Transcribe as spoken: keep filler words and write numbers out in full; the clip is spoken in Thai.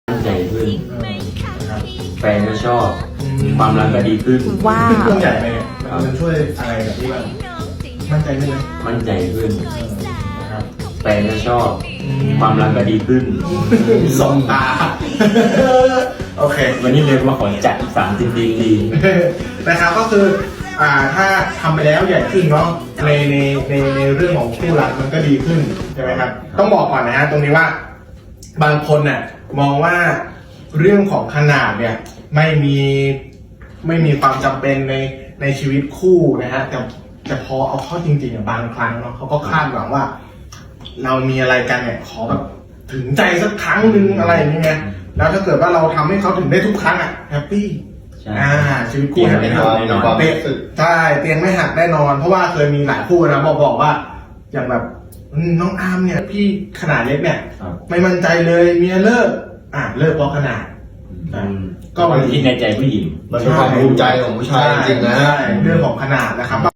มั่นใจขึ้นนะครับแฟนก็ชอบความรักก็ดีขึ้นว้าวเครื่องใหญ่ไปเนี่ยมันช่วยอะไรกับที่บ้างมั่นใจขึ้นไหมมั่นใจขึ้นนะครับแฟนก็ชอบความรักก็ดีขึ้นสองตาโอเควันนี้เลยมาขอจัดอีกสามสิบดีดีนะครับก็คืออ่าถ้าทำไปแล้วใหญ่ขึ้นเนาะในในในในเรื่องของคู่รักมันก็ดีขึ้นใช่ไหมครับต้องบอกก่อนนะฮะตรงนี้ว่าบางคนน่ะมองว่าเรื่องของขนาดเนี่ยไม่มีไม่มีความจำเป็นในในชีวิตคู่นะฮะแต่แต่พอเอาเข้าจริงๆอ่ะบางครั้งเนาะเขาก็คาดหวังว่า เรามีอะไรกันเนี่ยขอแบบถึงใจสักครั้งหนึ่งอะไรอย่างเงี้ยแล้วถ้าเกิดว่าเราทำให้เขาถึงได้ทุกครั้งอ่ะแฮปปี้ใช่อ่าชีวิตคู่แฮปปี้แน่นอนเตะใช่เตียงไม่หักแน่นอน เพราะว่าเคยมีหลายคู่นะบอกบอกว่า อย่างแบบอืมน้องอาร์มเนี่ยพี่ขนาดเล็กเนี่ยครับไม่มั่นใจเลยเมียเลิกอ่ะเลิกเพราะขนาดอืมก็ก็มันคิดในใจผู้หญิงมันเป็นความภูมิใจของผู้ชายจริงๆนะใช่เรื่องของขนาดนะครับ